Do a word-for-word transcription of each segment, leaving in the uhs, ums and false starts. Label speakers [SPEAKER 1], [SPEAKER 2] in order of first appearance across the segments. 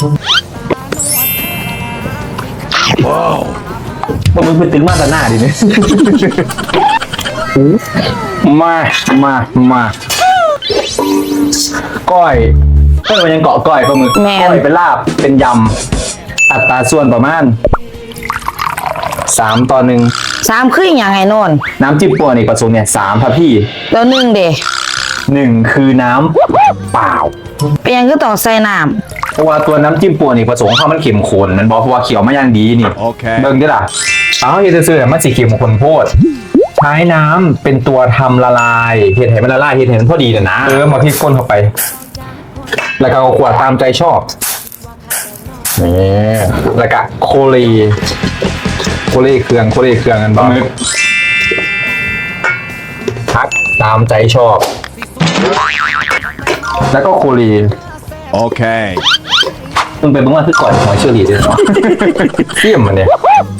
[SPEAKER 1] ว้าวมันเป็นตึงมาตาหน้าดิเนี่ยมามามาก้อยเออมันยังเกาะก้อยปลาหมึกก้อยเป็นลาบเป็นยำอัตราส่วนประมาณสามต่อหนึ่ง
[SPEAKER 2] สามคืออย่างไงนน
[SPEAKER 1] น้ำจิ้มปัวนี่ประสงค์เนี่ยสามครับพี่
[SPEAKER 2] แล้วหนึ่งเด
[SPEAKER 1] หนึ่งคือน้ำเปล่า
[SPEAKER 2] เป็นยังก็ต้องใส่น้
[SPEAKER 1] ำเพราะว่าตัวน้ำจิ้มปัวนี่ประสงค์เข้ามันเข็มข้นมันบอกเพราะว่าเขียวมาอย่างดีนี่โอเคเบิ่งดิล่ะเอาเฮ็ดซื่อๆมันสีเข็มข้นโพดใช้น้ำเป็นตัวทำละลายเห็ดให้มันละลายเห็ดให้มันพอดีนะเออมาพริกก้นเข้าไปแล้วก็เอาขวดตามใจชอบนี่แล้วก็โคลีโคลีเครื่องโคลีเครื่องกันบ้างพักตามใจชอบแล้วก็โคลีโอเคมึงไปเบิ่งว่าคือก่อนหอยเชอรี่ด้วยเนาะเสี่ยมมันเนี่ย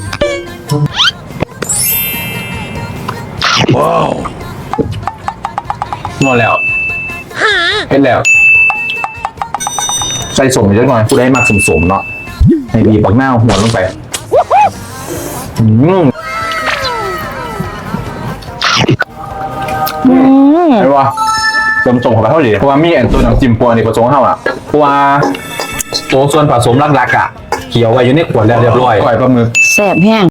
[SPEAKER 1] ว้าวงอแล้วเห็นแล้วใส่สมเยอะหน่อยกูได้มากสมๆเนาะในบีบักหน้าหัวลงไปอืมไอ้วะเติมส่งเข้าไปเท่าไหร่เพราะว่ามีแอนตัวน้ำจิ้มปัวนี่ผสมเข้าอ่ะเพราะว่าตัวส่วนผสมหลักๆอ่ะเขียวไว้อยู่ในขวดแล้วเรียบร้อยปล่อยปลาหมึก
[SPEAKER 2] แซ่บแห้ง